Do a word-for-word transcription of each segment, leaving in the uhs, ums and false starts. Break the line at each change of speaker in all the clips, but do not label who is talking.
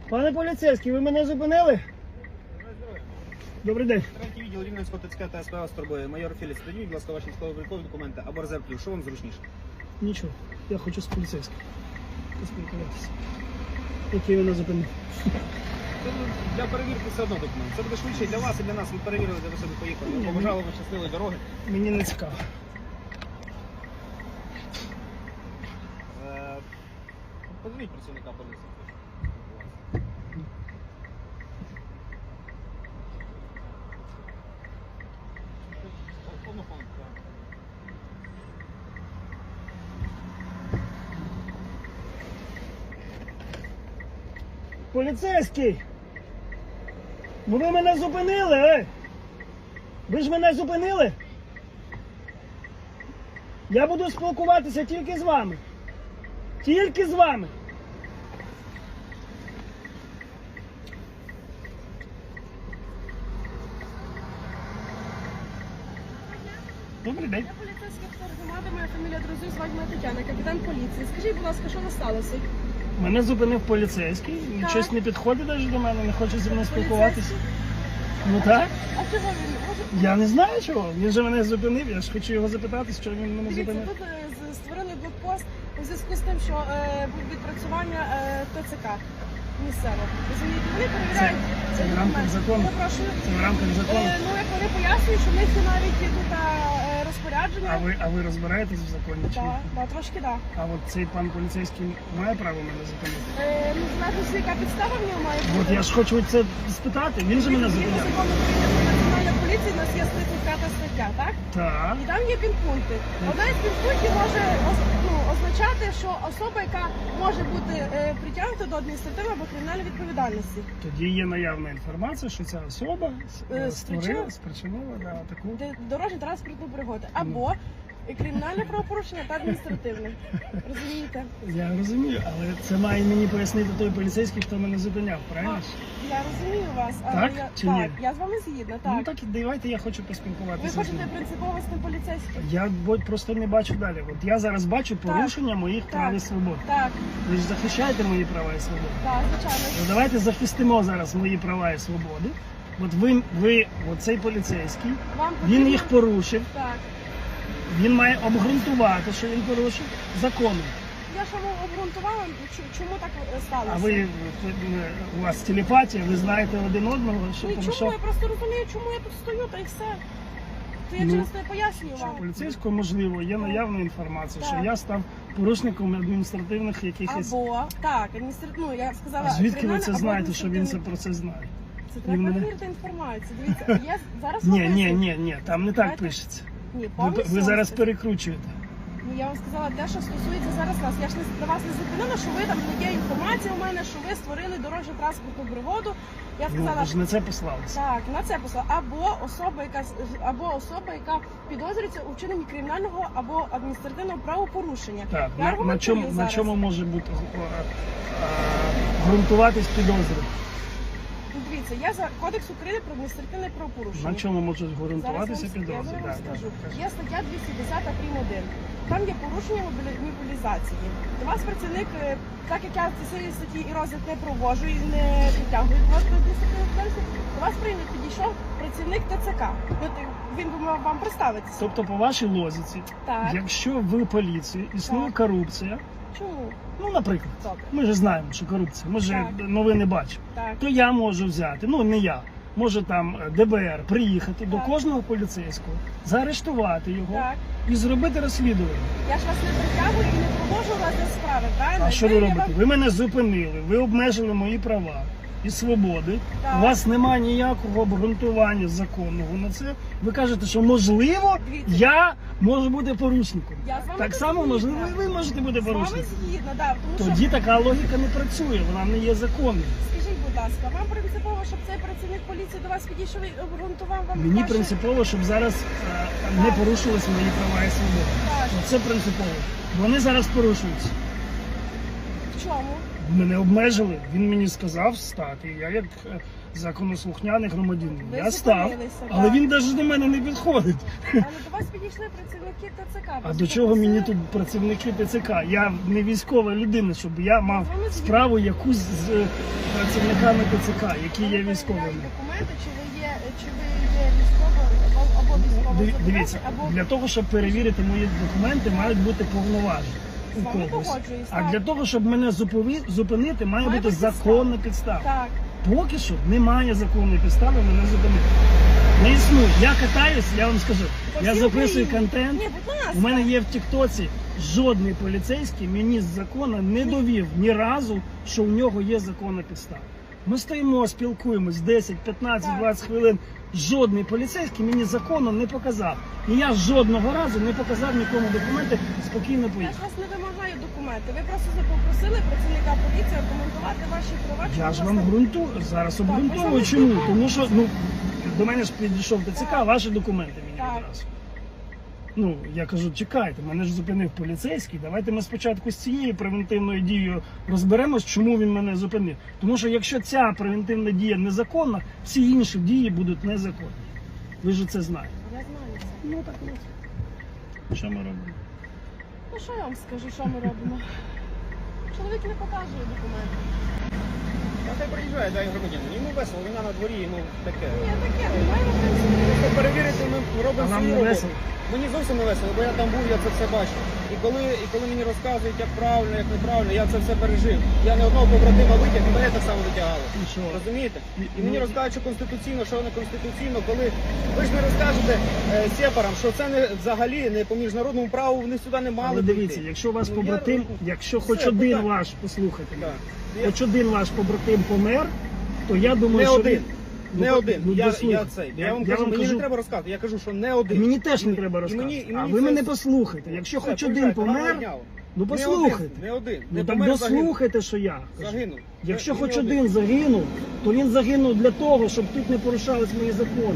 Пане поліцейський, ви мене зупинили? Добрий день.
Третій відділ Рівненського ТЦК та СП вас турбує. Майор Філіс, тоді, будь ласка, ваші військово-облікові документи або резерв. Що вам зручніше?
Нічого, я хочу з поліцейським поспілкуватися. Який мене зупинив?
Це для перевірки все одно документ. Це буде швидше і для вас, і для нас. Ви перевірили, де ви собі поїхали. Ми побажали вам щасливої дороги.
Мені не цікаво.
Е, Подивіть працівника поліції. Повну фон, так.
Поліцейський! Ну ви мене зупинили, ей! Ви ж мене зупинили? Я буду спілкуватися тільки з вами. Тільки з вами. Добрий день.
Я поліцейська офіцер громади, моя фамілія Дрозуй, звать мене Тетяна, капітан поліції. Скажіть, будь ласка, що сталося?
Мене зупинив поліцейський,
Так.
щось не підходить навіть до мене, не хоче зі мною спілкуватися. Ну так?
А чого він? Може,
Я не знаю чого. Він же мене зупинив, я ж хочу його запитати, що він мене
дивіться,
зупинив.
тут е, з- створили блокпост у зв'язку з тим, що е, буде відпрацювання е, ТЦК місцево. Розумієте, вони перевіряють
це в рамках
документи.
закону.
Я прошу.
Це в рамках закону.
Е, ну, як вони пояснюють, що в них є навіть є тут е, розпорядження.
А ви, а ви розбираєтесь в законі чи ні?
Так, да, трошки так. Да.
А от цей пан поліцейський має право мене зупинити?
Е, ну, знаєте, яка підстава в нього має бути?
От я ж хочу це спитати, він же мене
Згідно
зупиняє.
закону України про національну поліцію, у нас є тридцять п'ята стаття, так?
Так.
І там є підпункти. Одна із підпунктів може оз- ну, означати, що особа, яка може бути е, притягнута до адміністративної або кримінальної відповідальності,
Тоді є наявна інформація, що ця особа
Е,
створила,
спричинила-
спричинила да, таку.
де дорожньо транспортну пригоду, або і кримінальне правопорушення та адміністративне. Розумієте?
Я розумію, але це має мені пояснити той поліцейський, хто мене зупиняв, правильно?
А, Я розумію вас, але
Так
я,
чи
так,
ні?
я з вами згідна, так.
Ну так давайте я хочу
Ви
поспілкуватися з
хочете
ним.
принципово з тим поліцейським?
Я бо- просто не бачу далі. От я зараз бачу порушення моїх
Так.
прав і свобод.
Так,
Ви ж захищаєте мої права і свободи.
так, звичайно.
Ну, давайте захистимо зараз мої права і свободи. От ви, ви оцей поліцейський,
Вам
він
потрібно-
їх порушив,
Так.
він має обґрунтувати, що він порушив законом.
Я ж вам обґрунтувала, чу- чому так е, сталося.
А ви, е, у вас телепатія, ви знаєте один одного, що
Ну, і
тому
чому?
що
Я просто розумію, чому я тут стою, та й все. То я
Ну,
через те пояснюю вам.
поліцейського, можливо, є наявна інформація, що
Так.
я став порушником адміністративних якихось.
Або, так, адміністративно, ну, я сказала,
А звідки ви
кримінальне
це
або
знаєте, що він це
адміністративне.
про це знає?
Це
І
треба
мене-
перевірити інформацію. Дивіться, я зараз
Ні,
вам
ні,
поясню.
ні, ні, там не так
Знаєте,
пишеться.
Ні,
Ви,
повністю
ви зараз
вам
перекручуєте.
Ну, я вам сказала те, що стосується зараз вас. Я ж не на вас не зупинила, що ви там не є інформація у мене, що ви створили дорожню транспортну пригоду. Я
Ну,
сказала,
ви ж на це послалися.
так, на це послала. Або особа, яка с- або особа, яка підозрюється у вчиненні кримінального або адміністративного правопорушення.
Так,
Я
на, на,
аргументую
чому, на
зараз.
чому може бути а, а, ґрунтуватись підозри?
Ну, дивіться, я за кодекс України про адміністративне правопорушення.
На чому можуть
Зараз
ґрунтуватися
вам- я
підозри?
зараз вам
Так,
скажу.
так, кажіть.
Є стаття двісті десять прим. один. Там є порушення мобілі- мобілізації. До вас працівник, е, так як я в цій статті і розгляд не проводжу і не притягую до вас до адміністративної відповідальності, до вас прийняв підійшов працівник ТЦК. От е, він би мав вам представитися.
Тобто, по вашій логіці,
Так.
якщо в поліції існує
Так.
корупція,
Чому?
ну, наприклад,
Добре.
ми ж знаємо, що корупція, ми ж
Так.
новини бачимо,
Так.
то я можу взяти, ну не я, може там Д Б Р приїхати до
Так.
кожного поліцейського, заарештувати його
Так.
і зробити розслідування.
Я ж вас не притягую і не проводжу розгляд справи, правильно?
А що ви
я
робите?
вам-
Ви мене зупинили, ви обмежили мої права і свободи.
Так.
У вас немає ніякого обґрунтування законного на це. Ви кажете, що можливо
Дивіться.
я можу бути порушником.
Я з вами
Так само
згідна.
можливо і ви можете бути
З вами
порушником.
згідно, да, тому
Тоді
що,
така логіка не працює, вона не є законною.
скажіть, будь ласка, вам принципово, щоб цей працівник поліції до вас підійшов і обґрунтував вам
Мені
ваші-
принципово, щоб зараз е, не порушилися мої права і свободи.
Так.
Це принципово. Вони зараз порушуються.
В чому?
Мене обмежили, він мені сказав стати. Я як е, законослухняний громадянин.
Ви
Я став,
зупинилися,
але
так.
він навіть до мене не підходить.
Але до вас підійшли працівники ТЦК.
А
вас
до чого мені
попросили-
тут працівники ТЦК? Я не військова людина, щоб я мав
З вами згідно.
справу якусь з е, працівниками ТЦК, які
Вони
є військовими.
перевіряють документи, чи ви є, чи ви є військово або, або військово
Диві-
зобов'язаний,
Дивіться,
або
для того, щоб перевірити мої документи, мають бути повноваження
З
у
вами
когось.
погоджуюсь,
А
так.
для того, щоб мене зупові- зупинити, має
Має
бути
бути
законна підстава.
так.
Поки що немає законної підстави мене зупинити. Не існує. Я катаюсь, я вам скажу.
По
Я
всій
записую
Україні.
контент.
Ні, будь ласка.
У мене є в Тіктоці жодний поліцейський мені з закону не довів ні разу, що у нього є законна підстава. Ми стоїмо, спілкуємось десять, п'ятнадцять,
Так.
двадцять хвилин. Жодний поліцейський мені закону не показав. І я жодного разу не показав нікому документи, спокійно
Я
поїхав.
ж вас не вимагаю документи. Ви просто попросили працівника поліції аргументувати ваші права.
Я
чому
ж
вас
вам
не-
ґрунтую, зараз
Так,
обґрунтовую.
ви
Чому?
саме
Тому що ну, до мене ж підійшов ТЦК,
Так.
ваші документи мені
Так.
одразу. Ну, я кажу, чекайте, мене ж зупинив поліцейський. Давайте ми спочатку з цією превентивною дією розберемось, чому він мене зупинив. Тому що якщо ця превентивна дія незаконна, всі інші дії будуть незаконні. Ви ж це знаєте.
Я знаю це.
Ну так от. Що ми робимо?
Ну що я вам скажу, що ми робимо? Чоловік не показує документи.
А хай приїжджає, дай громадянин. Йому весело, війна на дворі, йому таке.
Ні, таке, немає в принципі.
Просто перевірити ми
А
робимо
вам
свою
не
роботу.
весело?
Мені зовсім не весело, бо я там був, я це все бачу. І коли, і коли мені розказують, як правильно, як неправильно, я це все пережив. Я не одного побратима витяг, і мене так само витягали.
І що?
Розумієте?
І-
І мені
ну-
розказують, що конституційно, що не конституційно, коли ви ж не розкажете е, сепарам, що це не взагалі не по міжнародному праву, вони сюди не мали.
Але дивіться,
прийти.
якщо у вас
Ну,
побратим,
я-
якщо
Все,
хоч один
питання.
ваш, послухайте, мене,
Так. Я-
хоч один ваш побратим помер, то я думаю,
Не
що
один.
він- Ну,
Не
так,
один.
ну,
Я, я
дослухайте.
цей.
Я-
Я вам
я
кажу,
вам
мені
кажу-
не треба розказувати. Я кажу, що не один.
Мені теж не
І-
треба
і
розказувати.
мені- і
А
мені
ви
це-
мене послухайте. Якщо
Все,
хоч один
приїжджайте, гарного
помер,
дня.
ну
Не
послухайте.
один, Не один.
Ну
Не
так
помер, загинув.
дослухайте, що я кажу.
Загинув.
Якщо
Не-
хоч
не
один загинув, то він загинув для того, щоб тут не порушались мої закони.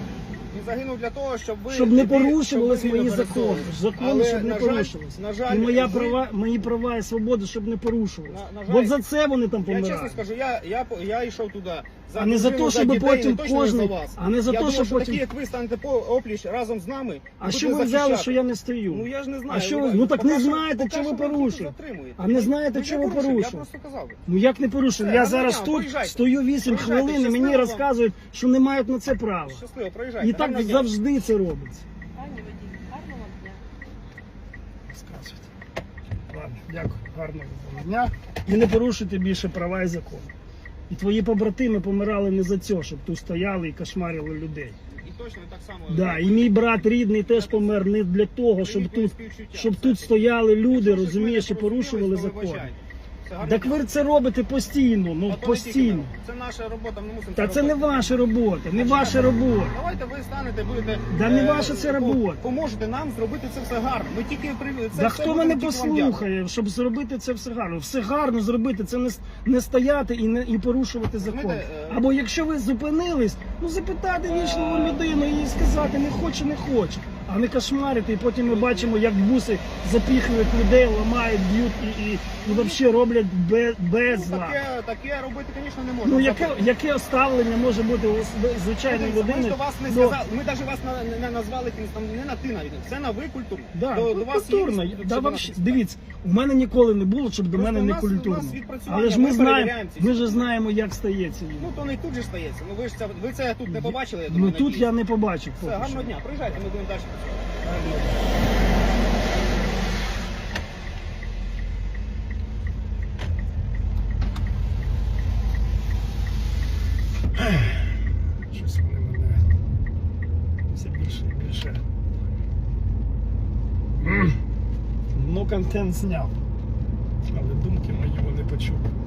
Він загинув для того, щоб ви...
Щоб не
ви-
порушувались
щоб ви
мої
не
закони.
пересовували.
Закони,
Але,
щоб не
на жаль,
порушувались.
На жаль,
І моя
ви-
права, мої права і свободи, щоб не порушувались.
На- на жаль,
От за це вони там
Я
помирають.
чесно скажу, я, я, по- я йшов туди. За
А не за
дружину,
те, щоб
дітей,
потім
не точно не
кожний-
за вас.
а не за
я
те,
думав,
щоб
що
потім-
такі, як ви, станете по опліч разом з нами.
А
будете
що ви взяли,
захищати.
що я не стою?
Ну я ж не знаю.
А що ви- ну, так
поки
не
що-
знаєте,
поки
чого
що
ви
тут
порушуєте.
затримуєте.
А не знаєте,
Ну,
чого
я
ви
порушив,
порушили?
Я просто казав.
Ну як не порушив?
Все,
Я
гарного
зараз
дня,
тут
проїжджайте.
стою вісім
Проїжджайте,
хвилин і мені
щасливо вам.
розказують, що не мають на це права.
Щасливо, проїжджайте.
І так
Гарного дня.
завжди це робиться.
Пані водій, гарного вам дня.
Розказуйте. Ладно, дякую, гарного вам дня. І не порушуйте більше права і закони. І твої побратими помирали не за це, щоб тут стояли і кошмарили людей.
І точно так само.
Да, і мій брат рідний теж помер не для того, щоб
Привітні
тут,
співчуття.
щоб
Все,
тут
все.
стояли люди,
Якщо щось
розумієш, і
ми не
порушували
порозумілись, то
закон.
вибачайте. Все, гарного
Так
дня.
ви це робите постійно, ну
А то не
постійно.
тільки ми. Це наша робота, ми мусимо
Та це не
робити.
ваша робота, не
А
ваша
чия
робота.
Давайте ви станете, будете...
Да не
е,
ваша це
по-
робота.
Поможете нам зробити це все гарно. Ми тільки при... це
Да
все
хто
будемо
мене
тільки вам дякувати.
послухає, щоб зробити це все гарно? Все гарно зробити, це не, с- не стояти і не і порушувати закон.
Знаєте, е,
Або якщо ви зупинились, ну запитати вічливу людину і їй сказати, не хоче, не хоче. А не кошмарити, і потім ми бачимо, як буси запіхують людей, ламають, б'ють і, і, і взагалі роблять без, без
Ну,
зла.
таке, таке робити, звісно, не можна.
Ну яке, яке ставлення може бути у с- звичайної
Дивіться, Ми ж
людини?
до вас не
до-
сказали, ми навіть вас на- не назвали кимось там, не на ти навіть. Це на ви культурно.
Да,
до,
ну,
до вас
культурно.
є,
Да,
щоб
вообще,
нас-
дивіться, у мене ніколи не було, щоб до
Просто
мене
у
не
нас- у
культурно.
нас відпрацювання,
Але ж ми
ми
знаємо,
перевіряємо ці
ми
всі.
ж знаємо, як стається.
Ну то не тут же ж стається. Ну ви ж це ви це тут не побачили. Я
Ну
думаю,
тут
надіюсь.
я не побачив.
Все,
поки що.
гарного дня. Приїжджайте, ми будемо далі працювати.
Щось вони мене все більше і більше. М. Ну, контент зняв. Але думки мої вони почули.